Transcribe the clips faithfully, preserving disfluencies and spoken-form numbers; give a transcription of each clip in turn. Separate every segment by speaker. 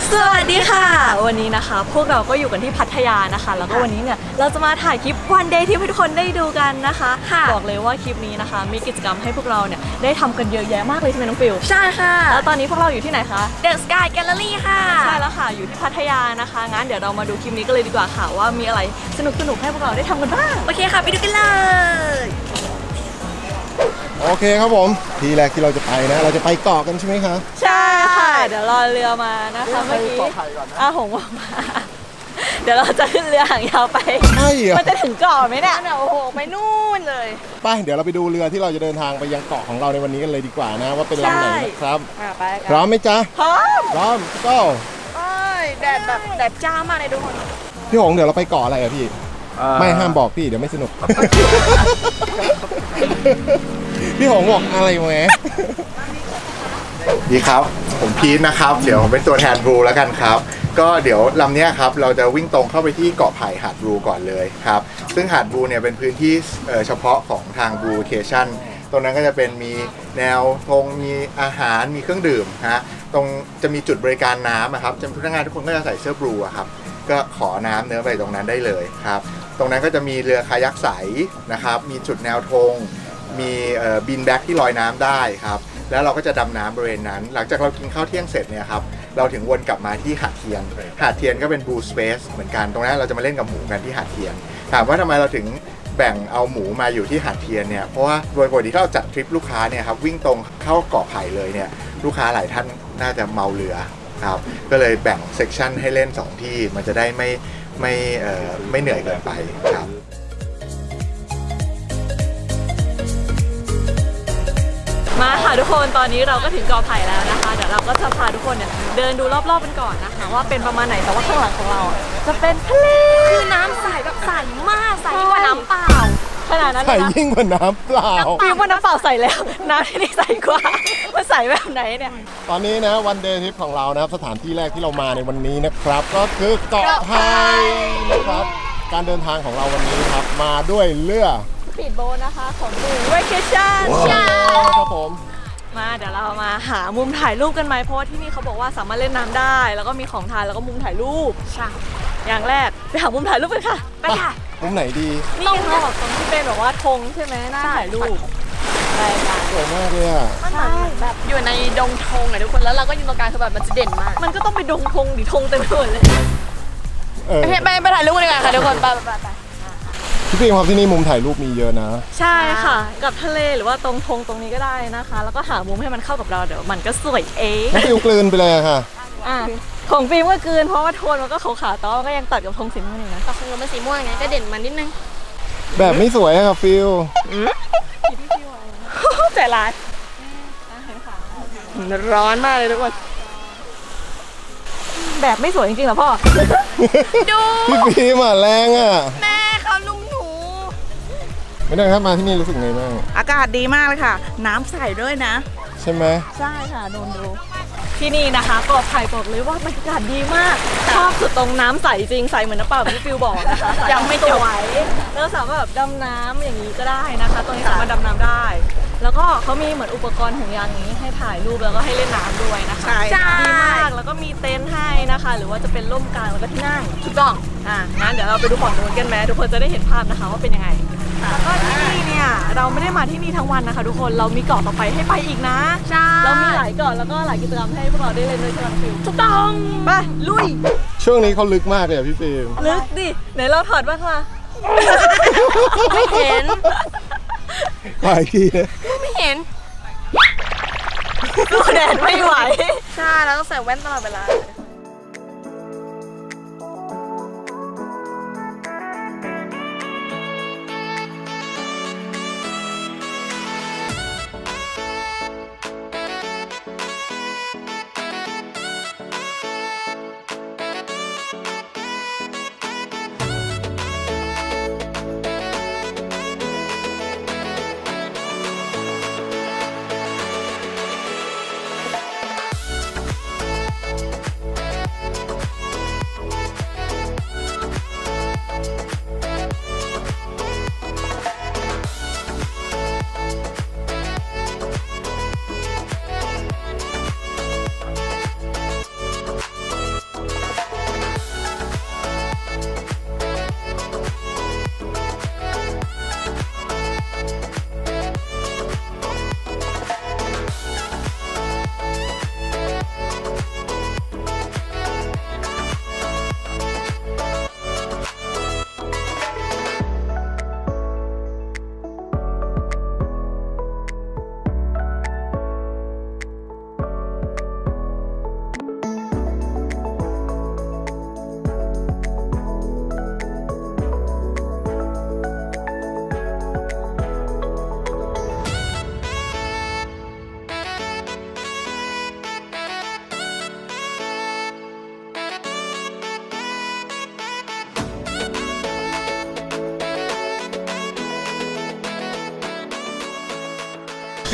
Speaker 1: สวัสดีค่ะวันนี้นะคะพวกเราก็อยู่กันที่พัทยานะคะแล้วก็วันนี้เนี่ยเราจะมาถ่ายคลิปวันเดย์ที่ให้ทุกคนได้ดูกันนะคะบอกเลยว่าคลิปนี้นะคะมีกิจกรรมให้พวกเราเนี่ยได้ทำกันเยอะแยะมากเลยใช่ไหมน้องฟิว
Speaker 2: ใช่ค่ะ
Speaker 1: แล้วตอนนี้พวกเราอยู่ที่ไหนคะ
Speaker 2: The Sky Gallery ค่ะ
Speaker 1: ใช่แล้วค่ะอยู่ที่พัทยานะคะงั้นเดี๋ยวเรามาดูคลิปนี้กันเลยดีกว่าค่ะว่ามีอะไรสนุกสนุกให้พวกเราได้ทำกันบ้าง
Speaker 2: โอเคค่ะไปดูกันเลย
Speaker 3: โอเคครับผมทีแรกที่เราจะไปนะเราจะไปเกาะกันใช่ไหมคะ
Speaker 1: ใช่ค่ะเดี๋ยวรอเรือมานะคะเมื่อกี้อาหงบอกมาเดี๋ยวเราจะขึ้นเรือหางยาวไป
Speaker 3: ใช่เหรอ
Speaker 1: มันจะถึงเกาะไหมเนี่ย
Speaker 2: เนี่ยโอ้โหไปนู่นเลย
Speaker 3: ไปเดี๋ยวเราไปดูเรือที่เราจะเดินทางไปยังเกาะของเราในวันนี้กันเลยดีกว่านะว่าเป็นลำไหนนะครับ
Speaker 2: ไป
Speaker 3: พร้อมไหมจ๊ะ
Speaker 1: พร้อม
Speaker 3: พร้อมก็
Speaker 2: แดดแบบแดดจ้ามากเลยทุกคน
Speaker 3: พี่หงเดี๋ยวเราไปเกาะอะไรอะพี่ไม่ห้ามบอกพี่เดี๋ยวไม่สนุกพี่หงบอกอะไรแหม
Speaker 4: ดีครับผมพีทนะครับเดี๋ยวผมเป็นตัวแทนบลูแล้วกันครับก็เดี๋ยวลำนี้ครับเราจะวิ่งตรงเข้าไปที่เกาะไผ่หาดบลูก่อนเลยครับซึ่งหาดบลูเนี่ยเป็นพื้นที่เฉพาะของทางบลูเคชั่นตรงนั้นก็จะเป็นมีแนวธงมีอาหารมีเครื่องดื่มฮะตรงจะมีจุดบริการน้ำนะครับพนักงานทุกคนก็จะใส่เสื้อบลูครับก็ขอน้ำเนื้อไปตรงนั้นได้เลยครับตรงนั้นก็จะมีเรือคายักใสนะครับมีจุดแนวธงมีบินแบ็กที่ลอยน้ำได้ครับแล้วเราก็จะดำน้ำบริเวณนั้นหลังจากเรากินข้าวเที่ยงเสร็จเนี่ยครับเราถึงวนกลับมาที่หาดเทียนหาดเทียนก็เป็น Blue Space เหมือนกันตรงนั้นเราจะมาเล่นกับหมูกันที่หาดเทียนถามว่าทำไมเราถึงแบ่งเอาหมูมาอยู่ที่หาดเทียนเนี่ยเพราะว่าโดยปกติถ้าเราจัดทริปลูกค้าเนี่ยครับวิ่งตรงเข้าเกาะไผ่เลยเนี่ยลูกค้าหลายท่านน่าจะเมาเรือครับก็เลยแบ่งเซกชันให้เล่นสองที่มันจะได้ไม่ไม่เอ่อไม่เหนื่อยเกินไปครับ
Speaker 1: มาค่ะทุกคนตอนนี้เราก็ถึงเกาะไผ่แล้วนะคะเดี๋ยวเราก็จะพาทุกคนเนี่ยเดินดูรอบๆกันก่อนนะคะว่าเป็นประมาณไหนแต่ว่าข้างหลังของเราจะเป็นทะเล
Speaker 2: คือน้ำใสแบบใสมากใสยิ่งกว่าน้ำเปล่า
Speaker 1: ขนาดนั้น
Speaker 3: ใสยิ่งกว่าน้ำเปล่า
Speaker 1: ยิ่งกว่าน้ำเปล่าใสแล้วน้ำที่นี่ใสกว่ามันใสแบบไหนเนี่ย
Speaker 3: ตอนนี้นะวันเดย์ทริปของเรานะครับสถานที่แรกที่เรามาในวันนี้นะครับก็คือเกาะไผ่นะครับการเดินทางของเราวันนี้ครับมาด้วยเรือ
Speaker 1: ปีดโบ๊ทนะคะของดูเวเคชั่น
Speaker 3: ใช่ครับผม
Speaker 1: มาเดี๋ยวเรามาหามุมถ่ายรูปกันไหมเพราะว่าที่นี่เขาบอกว่าสามารถเล่นน้ำได้แล้วก็มีของทานแล้วก็มุมถ่ายรูปใช่อย่างแรกไปหามุมถ่ายรูปกันค่ะ
Speaker 2: ไปค่ะ
Speaker 3: มุมไหนดี
Speaker 1: นี่เขาบอกตรงที่เป็นแบบว่าธงใช่ไหมน่าถ่ายรูปไปกัน
Speaker 3: สวยมากเลยอ่ะ
Speaker 2: มันเหมือนแบบอยู่ในดงธงอะทุกคนแล้วเราก็ยืนตรงกลางคือแบบมันจะเด่นมาก
Speaker 1: มันก็ต้องไปดงธงดิธงเต็มไปหมดเลย
Speaker 2: ไปไปถ่ายรูปกันดีกว่าค่ะทุกคนไปไปไป
Speaker 3: พี่ปิ๊มครับที่นี่มุมถ่ายรูปมีเยอะนะ
Speaker 1: ใช่ค่ะกับทะเลหรือว่าตรงธงตรงนี้ก็ได้นะคะแล้วก็หามุมให้มันเข้ากับเราเดี๋ยวมันก็สวยเอง
Speaker 3: ฟิวกลืนไปเลยค่ะ
Speaker 1: อ่ะของฟิล์มก็กลืนเพราะว่าโทนมันก็ขาวๆแต่ว่าก็ยังตัดกับธงสีม่วงอยู่นะ
Speaker 2: แต่ธงมันสีม่วงไงก็เด่นมันนิดนึง
Speaker 3: แบบไม่สวยครับฟิว
Speaker 1: ใจร้ายร้อนมากเลยทุกคนแบบไม่สวยจริงๆเหรอพ่อ
Speaker 2: ดู
Speaker 3: พี่ฟิล์มอ่ะแรงอ่ะ
Speaker 2: แม่เขาลุมหนู
Speaker 3: ไม่ได้ครับมาที่นี่รู้สึกไงบ้าง
Speaker 5: อากาศดีมากเลยค่ะน้ำใสด้วยนะ
Speaker 3: ใช่ไหม
Speaker 1: ใช่ค่ะโดนดูที่นี่นะคะเกาะไผ่บอกเลยว่าบรรยากาศดีมากชอบสุดตรงน้ำใสจริงใสเหมือนน้ำเปล่าที่ฟิวบอกนะคะ
Speaker 2: ยังไม่จบ
Speaker 1: แล้วสามารถแบบดำน้ำอย่างนี้ก็ได้นะคะตรงนี้สามารถดำน้ำได้แล้วก็เขามีเหมือนอุปกรณ์ห่วงยางนี้ให้ถ่ายรูปแล้วก็ให้เล่นน้ำด้วยนะคะดีมากแล้วก็มีเต็นท์ให้นะคะหรือว่าจะเป็นร่มกลางแล้วก็ที่นั่ง
Speaker 2: ถูกต้อง
Speaker 1: อ่ะงั้นเดี๋ยวเราไปดูฝั่งนู้นกันไหมทุกคนจะได้เห็นภาพนะคะว่าเป็นยังไงแล้วก็ที่นี่เนี่ยเราไม่ได้มาที่นี่ทั้งวันนะคะทุกคนเรามีเกาะต่อไปให้ไปอีกนะ
Speaker 2: ใช่
Speaker 1: เรามีหลายเกาะแล้วก็หลายกิจกรรมให้พวกเราได้เล่นด้วยใช่ไหมฟิวถูกต้องไปลุย
Speaker 3: ช่วงนี้เขาลึกมากเลยอ่ะพี่ฟิล์ม
Speaker 1: ลึกดิไหนเราถอดบ้างล่ะ
Speaker 2: ไม่เห็น
Speaker 3: ไปที
Speaker 2: ไม่เห็น
Speaker 1: ดูแดดไม่ไหว
Speaker 2: ใช่เราต้องใส่แว่นตลอดเวลา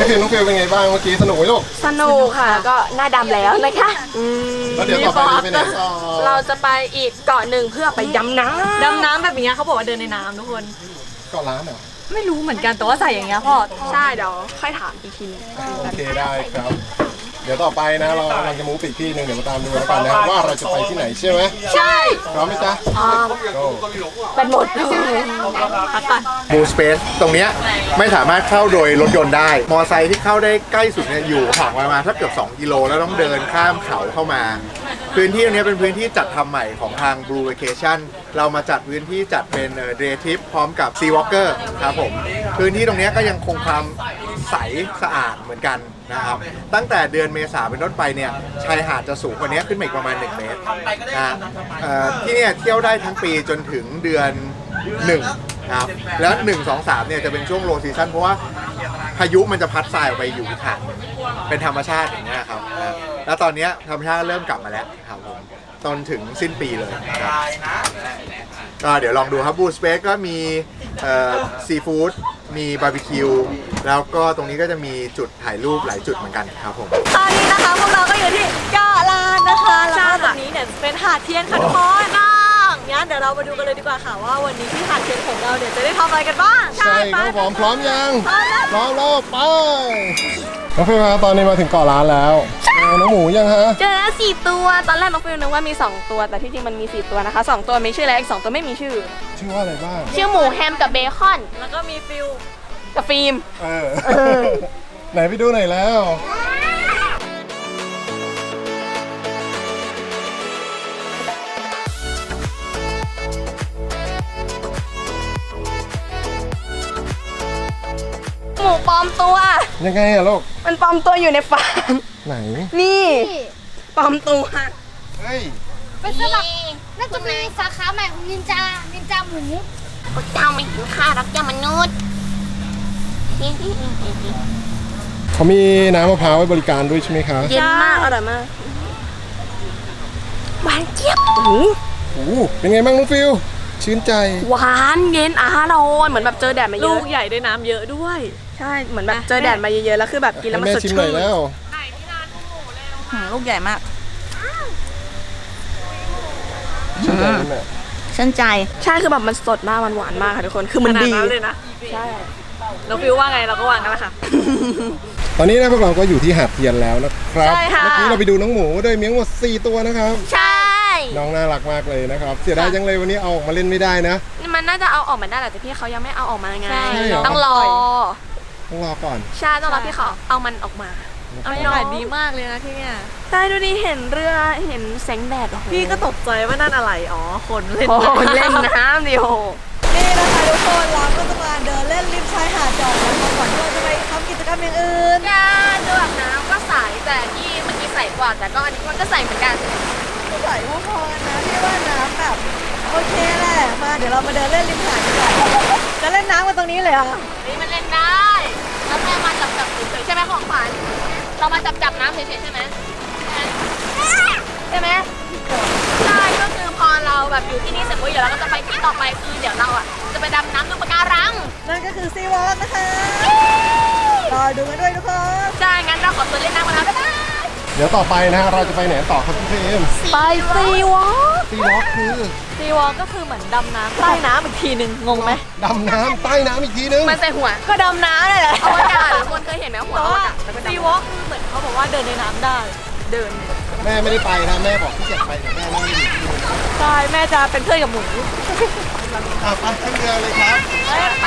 Speaker 3: ฟิลน้องฟิลเป็นไงบ้างเมื่อกี้สนุกไหมลูก
Speaker 2: สนุกค่ะก็หน้าดำแล้วนะคะอืม
Speaker 3: แล้วเดี๋ยวต่อไปเราไปไหนต่อ
Speaker 2: เราจะไปอีกเกาะหนึ่งเพื่อไปดำน้ำ
Speaker 1: ดำน้ำแบบนี้เขาบอกว่าเดินในน้ำทุกคน
Speaker 3: เกาะล้านเหรอ
Speaker 1: ไม่รู้เหมือนกันแต่ว่าใส่อย่างเงี้ยพ่อ
Speaker 2: ใช่เดี๋ยวค่อยถามอีกทีนึง
Speaker 3: โอเคได้ครับ เดี๋ยวต่อไปนะเรากำลังจะมูฟไปอีกที่หนึ่งเดี๋ยวมาตามดูแล้วกันนะว่าเราจะไปที่ไหนใช่ไหม
Speaker 2: ใช่
Speaker 3: พร้อมไหมจ๊ะ Go
Speaker 2: เป็นหมด
Speaker 1: พักก่อน
Speaker 4: บูสเปซตรงเนี้ยไม่สามารถเข้าโดยรถยนต์ได้ มอไซค์ที่เข้าได้ใกล้สุดเนี่ยอยู่ห่างประมาณถ้าเกือบสองกิโลแล้วต้องเดินข้ามเขาเข้ามา พื้นที่ตรงนี้เป็นพื้นที่จัดทำใหม่ของทาง Blue Vacation เรามาจัดพื้นที่จัดเป็นเดย์ทริปพร้อมกับ Sea Walker ครับผมพื้นที่ตรงนี้ก็ยังคงความใสสะอาดเหมือนกันนะครับตั้งแต่เดือนเมษาเป็นต้นไปเนี่ยชายหาดจะสูงกว่านี้ขึ้นมาอีกประมาณหนึ่งเมตรนะเอ่อที่เนี่ยเที่ยวได้ทั้งปีจนถึงเดือนหนึ่งครับแล้วหนึ่ง สอง สามเนี่ยจะเป็นช่วงโลซีซั่นเพราะว่าพายุมันจะพัดทรายออกไปอยู่ที่หาดเป็นธรรมชาติอย่างเงี้ยครับนะแล้วตอนเนี้ยธรรมชาติเริ่มกลับมาแล้วครับผมจนถึงสิ้นปีเลยครับก็เดี๋ยวลองดูครับบูสเปซก็มีซีฟู้ดมีบาร์บีคิวแล้วก็ตรงนี้ก็จะมีจุดถ่ายรูปหลายจุดเหมือนกันครับผม
Speaker 1: ตอนนี้นะคะพวกเราก็อยู่ที่เกาะล้านนะคะแล้วก็ตรงนี้เนี่ยเป็นหาดเทียนค่ะทุกคนน้องงั้นเดี๋ยวเรามาดูกันเลยดีกว่าค่ะว่าวันนี้ที่หาดเทียนของเราเนี่ยจะได้ทำอะไรกันบ้าง
Speaker 3: ใช่ครับผมพร้อมยังพร้อมแล้วไปน้องฟิลครับตอนนี้มาถึงเกาะล้านแล้วเจอน้องหมูยังฮะ
Speaker 2: เจอแล้วสี่ตัวตอนแรกน้องฟิลนึกว่ามีสองตัวแต่ที่จริงมันมีสี่ตัวนะคะสองตัวมีชื่อแล้วอีกสองตัวไม่มีชื่อ
Speaker 3: ชื่อว่าอะไรบ้าง
Speaker 2: ชื่อหมูแฮมกับเบคอน
Speaker 1: แล้วก็มีฟิล
Speaker 2: กับฟิล์ม
Speaker 3: เออ ไหนไปดูหน่อยแล้ว
Speaker 2: หมูปลอมตัว
Speaker 3: ยังไงอะลูก
Speaker 2: มันปลอมตัวอยู่ในฟาร์ม
Speaker 3: ไหน
Speaker 2: นี่ปลอมตัว
Speaker 3: เฮ้ย
Speaker 6: เป็นสลักน่าจะเป็นสาขาใหม่ของนินจา นินจาหมู
Speaker 2: พระเจ้าไม่เห็นค่ารักเจ้ามนุษย์
Speaker 3: เขามีน้ำมะพร้าวไว้บริการด้วยใช่ไหมคะ
Speaker 2: เย็นมากอร่อยมากหวานเจี๊ยบโอ้โห
Speaker 3: โอ้โหเป็นไงบ้างน้องฟิลชื่นใจ
Speaker 2: หวานเย็นอร่อยเหมือนแบบเจอแดดมาเย
Speaker 1: ลู
Speaker 2: อะ
Speaker 1: กใหญ่ด้วยน้ำเยอะด้วย
Speaker 2: ใช่เหมือนแบบเจอแดดมาเยอะๆแล้วคือแบบกินแล้วมัน
Speaker 3: ให้
Speaker 2: ส
Speaker 3: แม่
Speaker 2: ด
Speaker 3: ชิมห
Speaker 2: ชื่
Speaker 3: น่อย
Speaker 2: น
Speaker 3: แล้ว
Speaker 5: หืมลูกใหญ่มาก
Speaker 3: ชื่นใจไหมแม่
Speaker 5: ชื่นใจ
Speaker 2: ใช่คือแบบมันสดมากมันหวานมากค่ะทุกคนคือมัน
Speaker 1: ขนาด
Speaker 2: ดี
Speaker 1: นั้นเลยนะ
Speaker 2: ใช่
Speaker 1: น้องฟิลว่าไงเราก็วางกันแล้วค่ะ
Speaker 3: ตอนนี้นะพวกเราก็อยู่ที่หาดเทียนแล้วนะครับ
Speaker 1: ใช่ค่ะ
Speaker 3: เมื่อกี้เราไปดูน้องหมูด้วยมีทั้งหมดสี่ตัวนะครับ
Speaker 2: ใช่
Speaker 3: น้องน่ารักมากเลยนะครับ เสียดายจังเลยวันนี้เอาออกมาเล่นไม่ได้นะ
Speaker 2: นี่มันน่าจะเอาออกมาได้แหละแต่พี่เขายังไม่เอาออกมาไง
Speaker 1: ใช่
Speaker 3: เหรอ
Speaker 2: ต้องรอ
Speaker 3: ต้องรอก่อน
Speaker 2: ใช่ต้องรอพี่เขาเอามันออกมา
Speaker 1: บรรยากาศดีมากเลยนะที่เนี่ย
Speaker 2: ใช่ดูดิเห็นเรือเห็นแสงแดดโอ้โห
Speaker 1: พี่ก็ตกใจว่านั่นอะไร อ๋อ คนเล่น
Speaker 2: โอ้โหเล่นน้ำดิโอ
Speaker 1: นี่นะคะทุกคนเราก็จะมาเดินเล่นริมชายหาดก่อนนะคะก่อนที่เราจะไปทำกิจกรรมอย่างอื่น
Speaker 2: จ้าดูแบบน้ำก็ใสแต่ที่เมื่อกี้ใสกว่าแต่ก็อันนี้มันก็ใสเหมือนกัน
Speaker 1: ก็ใส่พอๆนะพี่ว่าน้ำแบบโอเคแหละ มาเดี๋ยวเรามาเดินเล่นริมหาดดีกว่าจะเล่นน้ำกันตรงนี้เลยเหรอ่ะ
Speaker 2: นี่มันเล่นได้แล้วแค่มาจับจับเฉยๆใช่ไหมของขวัญเรามาจับจับน้ำเฉยๆใช่ไหมใช่ไหมใช่ก็คือพอเราแบบอยู่ที่นี่เสร็จปุ๊บเดี๋ยวเราก็จะไปที่ต่อไปคือเดี๋ยวเราอ่ะจะไปดำน้ำดูปะการัง
Speaker 1: นั่นก็คือซีวอล์กนะคะรอดูกันด้วยทุกคน
Speaker 2: ใช่งั้นเราขอตัวเล่นน้ำกันแล้วบ๊ายบาย
Speaker 3: เดี๋ยวต่อไปนะฮะเราจะไปไหนต่อครับพี่เฟรม
Speaker 1: ไปซีวอล์ก
Speaker 3: ซีวอล์กคือ
Speaker 1: ซีวอล์กก็คือเหมือนดำน้ำใต้น้ำอีกทีหนึ่งงงไหม
Speaker 3: ดำน้ำใต้น้ำอีกทีนึง
Speaker 2: มันใส่หัว
Speaker 1: ก็ดำน้ำนั่นแหละ
Speaker 2: อวกาศทุกคนเคยเห็นไหมหัว
Speaker 1: แต่
Speaker 2: อว
Speaker 1: ว่าก
Speaker 2: าศแล้วก็
Speaker 1: ซี
Speaker 2: ดำ
Speaker 1: วอล์กคือเหมือนเขาบอกว่าเดินในน้ำได้
Speaker 2: เดิน
Speaker 3: แม่ไม่ได้ไปนะแม่บอกที่จะไปแต่แม่ไม่ได้อยู่ที่นู่น
Speaker 1: ใช่แม่จะเป็นเพื่อนกับหมู
Speaker 3: อ่ะไปขึ้นเรือเลยครับ
Speaker 2: ไป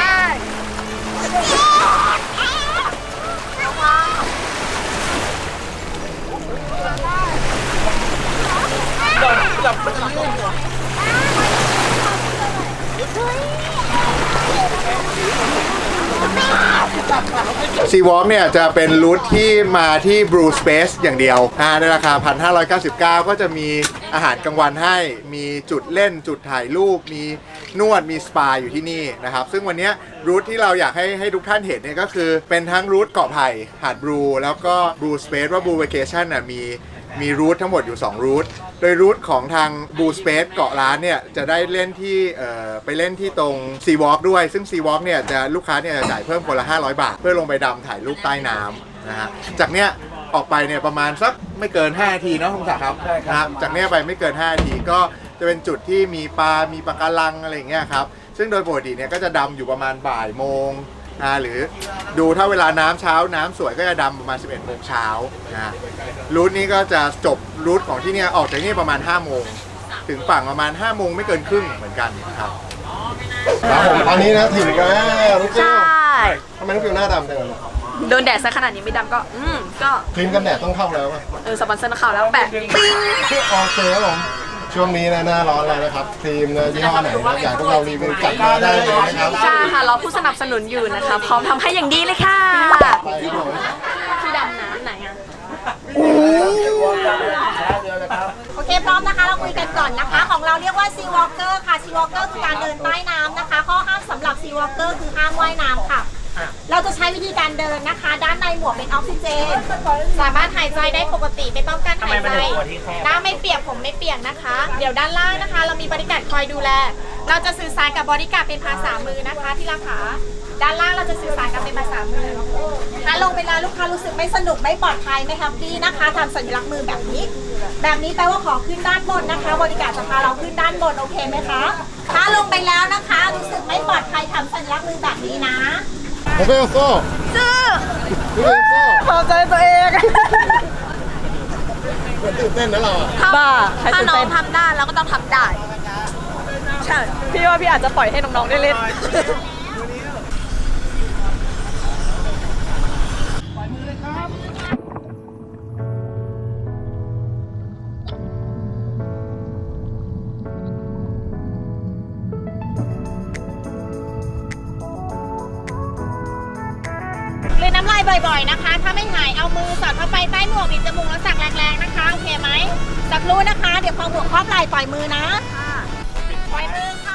Speaker 4: ซีวอล์กเนี่ยจะเป็นรูทที่มาที่ Blue Space อย่างเดียวอ่าในราคา หนึ่งพันห้าร้อยเก้าสิบเก้า ก็จะมีอาหารกลางวันให้มีจุดเล่นจุดถ่ายรูป มีนวดมีสปาอยู่ที่นี่นะครับ ซึ่งวันนี้รูทที่เราอยากให้ให้ทุกท่านเห็นเนี่ยก็คือเป็นทั้งรูทเกาะไผ่หาดบลูแล้วก็ Blue Space ว่า Blue Vacation น่ะมีมีรูททั้งหมดอยู่สองรูทโดยรูทของทางบูสเปซเกาะล้านเนี่ยจะได้เล่นที่เอ่อไปเล่นที่ตรงซีวอล์กด้วยซึ่งซีวอล์กเนี่ยจะลูกค้าเนี่ยจะจ่ายเพิ่มคนละห้าร้อยบาทเพื่อลงไปดำถ่ายรูปใต้น้ำนะฮะจากเนี้ยออกไปเนี่ยประมาณสักไม่เกินห้านาทีเนาะคุณศักดิ์ครับนะครับจากเนี้ยไปไม่เกินห้านาทีก็จะเป็นจุดที่มีปลา มีปะการังอะไรอย่างเงี้ยครับซึ่งโดยปกติเนี่ยก็จะดำอยู่ประมาณบ่ายโมงนะหรือดูถ้าเวลาน้ำเช้าน้ำสวยก็จะดำประมาณสิบเอ็ดโมงเช้านะรูทนี้ก็จะจบรูทของที่เนี่ยออกจากนี่ประมาณห้าโมงถึงฝั่งประมาณห้าโมงไม่เกินครึ่งเหมือนกันครับ
Speaker 3: ครับผมตอนนี้นะถึงแล้วลูกฟิว
Speaker 5: ใช่
Speaker 3: ทำไมลูกฟิวหน้าดำจังเลย
Speaker 5: โดนแดดซะขนาดนี้ไม่ดำก็ อืม ก็
Speaker 3: ครีมกันแดดต้องเข้าแล้วอะ
Speaker 5: เออสปอนเซอร์ข่าวแล้วแปะปิ้ง
Speaker 3: โอเคครับผมช่วงนี้นะหน้าร้อนแล้วนะครับครีมนะยี่ห้อไหนนะอยากให้พวกเรารีวิวจัดมาได้เลยนะครับ
Speaker 5: ใช่ค่ะ เราผู้สนับสนุนอยู่นะคะ พร้อมทำให้อย่างดีเลยค่ะ
Speaker 3: ไปครับผม
Speaker 5: ที่ดำน้ำไหนอ่ะ
Speaker 7: โอเคพร้อมนะคะเราคุยกันก่อนนะคะ ของเราเรียกว่า Sea Walker ค่ะ Sea Walker คือการเดินใต้น้ำนะคะ ข้อห้ามสำหรับ Sea Walker คือห้ามว่ายน้ำค่ะ เราจะใช้วิธีการเดินนะคะ ด้านในหมวกเป็นออกซิเจน สามารถหายใจได้ปกติไม่ต้องการหายใจหน้าไม่เปียกผมไม่เปียกนะคะ เดี๋ยวด้านล่างนะคะ เรามีบริการคอยดูแล เราจะสื่อสารกับบริการเป็นภาษามือนะคะที่ราคาด้านล่างเราจะสื่อสารกันเป็นภาษามือถ้าลงเวลาลูกค้ารู้สึกไม่สนุกไม่ปลอดภัยไม่แฮปปี้นะคะทำสัญลักษณ์มือแบบนี้ แบบนี้แปลว่าขอขึ้นด้านบนนะคะ บริการจะพาเราขึ้นด้านบนโอเคไหมคะถ้าลงไปแล้วนะคะรู้สึกไม่ปลอดภัยทำสัญลักษณ์มือแบบนี้นะ
Speaker 3: โอเคโซ่ซื้อโอเคโซ่
Speaker 1: พอใจตัวเอง
Speaker 3: เหมือนตื่นเต้นนะเราอะ
Speaker 1: บ้าใคร
Speaker 5: ถ้า
Speaker 1: ตื่น
Speaker 5: น้อ
Speaker 1: เต้
Speaker 5: ง
Speaker 1: น
Speaker 5: ทำได้เราก็ต้องทำได้ ใช่
Speaker 1: พี่ว่าพี่อาจจะปล่อยให้น้องๆได้เล่น
Speaker 7: กลืนน้ำลายบ่อยๆนะคะ ถ้าไม่หายเอามือสอดเข้าไปใต้หมวกบีบจมูกแล้วสักแรงๆนะคะโอเคไหมสักรู้นะคะ เดี๋ยวพอหมวกครอบไหล่ปล่อยมือนะปล่อยมือค่ะ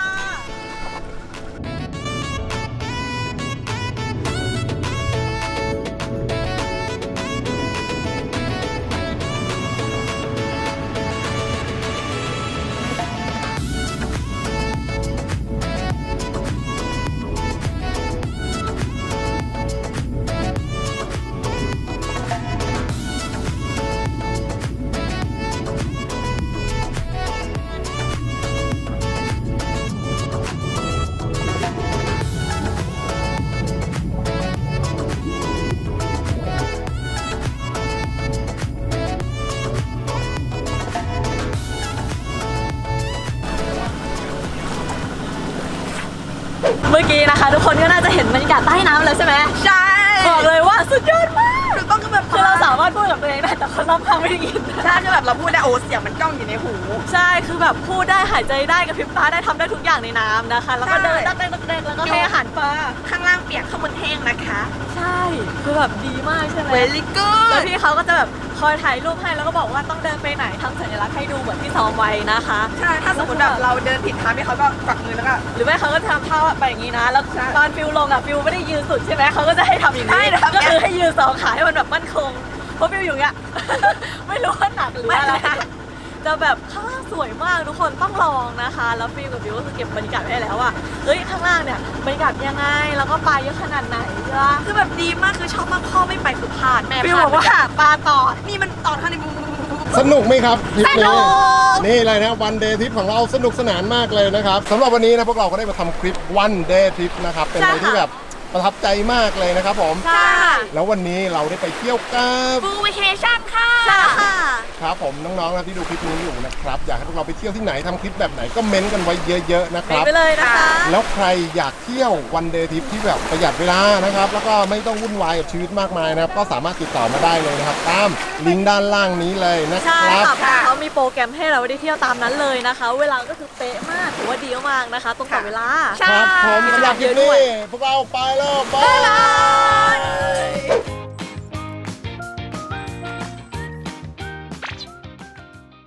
Speaker 1: เมื่อกี้นะคะ ทุกคนก็น่าจะเห็นบรรยากาศใต้น้ำแล้วใช่ไหม
Speaker 5: ใช่
Speaker 1: บอกเลยว่าสุดยอดมาก
Speaker 5: ต้องคือแบบ
Speaker 1: คือเราสามารถพูดกับตัวเองได้แต่คนรอบข้างไม่ได้ยิน
Speaker 5: ใช่คือแบบเราพูดได้โอ้เสียงมันก้องอยู่ในหู
Speaker 1: ใช่คือแบบพูดได้หายใจได้กระพริบตาได้ทำได้ทุกอย่างในน้ำนะคะ แล้วก็เดิน
Speaker 5: ใช่
Speaker 1: ตักเต้นตักเต้นแล้วก็ให้อาหารปลา
Speaker 5: ข้างล่างเปียกข้างบนแห้งนะคะ
Speaker 1: ใช่คือแบบดีมากใช่ไหม
Speaker 5: very
Speaker 1: แล้ว
Speaker 5: good
Speaker 1: พี่เขาก็จะแบบคอยถ่ายรูปให้แล้วก็บอกว่าต้องเดินไปไหนทำสัญลักษณ์ให้ดูเหมือนที่ซ้อมไว้นะคะ
Speaker 5: ใช่ ถ้าสมมติแบบเราเดินผิดทางพี่เขาก็กวักมือแล้วก็
Speaker 1: หรือไม่เขาก็ทำท่าไปอย่างนี้นะ แล้วตอนฟิวลงอ่ะฟิวไม่ได้ยืนสุดใช่ไหมเขาก็จะให้ทำอย่าง
Speaker 5: ใช่
Speaker 1: นี้
Speaker 5: ทำอย่างนี้
Speaker 1: ก็คือให้ยืนสองขาให้มันแบบมั่นคงเพราะฟิวอยู่อย่างเงี้ย ไม่รู้ว่าหนักหรืออะไรจะแบบข้างล่างสวยมากทุกคนต้องลองนะคะ แล้วฟิวกับฟิวก็คือเก็บบรรยากาศไว้ให้แล้วว่าเฮ้ยข้างล่างเนี่ยบรรยากาศยังไงแล้วก็ปลาเยอะขนาดไหนใช่ปะ
Speaker 5: คือแบบดีมากคือชอบมากพ่อไม่ไปคือพลาดแม่
Speaker 1: ฟิว
Speaker 5: พลา
Speaker 1: บ
Speaker 5: ด
Speaker 1: อกว่าปลาตอด
Speaker 5: นี่มันตอนข้างในบู
Speaker 3: สนุกไหมครับทริป
Speaker 5: สนุ
Speaker 3: นี้
Speaker 5: ก
Speaker 3: นี่เลยนะวันเดย์ทริปของเราสนุกสนานมากเลยนะครับสำหรับวันนี้นะพวกเราก็ได้มาทำคลิปวันเดย์ทริปนะครับเป็นอะไรที่แบบประทับใจมากเลยนะครับผม
Speaker 5: ใช่
Speaker 3: แล้ววันนี้เราได้ไปเที่ยวกับ
Speaker 5: ฟูวิเคชั่นค่ะค่ะ
Speaker 3: ครับผมน้องๆนะที่ดูคลิปนี้อยู่นะครับอยากให้พวกเราไปเที่ยวที่ไหนทำคลิปแบบไหนก็เม้นต์กันไว้เยอะๆนะครับ
Speaker 1: ไปเลยนะคะ
Speaker 3: แล้วใครอยากเที่ยววันเดย์ทริปที่แบบประหยัดเวลานะครับแล้วก็ไม่ต้องวุ่นวายกับชีวิตมากมายนะครับก็สามารถติดต่อมาได้เลยนะครับตามลิงก์ด้านล่างนี้เลยนะค
Speaker 1: ใช่
Speaker 3: รับ
Speaker 1: ค่ะเขามีโปรแกรมให้เราได้เที่ยวตามนั้นเลยนะคะ เวลาก็คือเป๊ะมากถือว่าดีมากนะคะตรงต่อเวลา
Speaker 3: ครับผมสำหรับคลิปนี้พวกเราไปแล้วบาย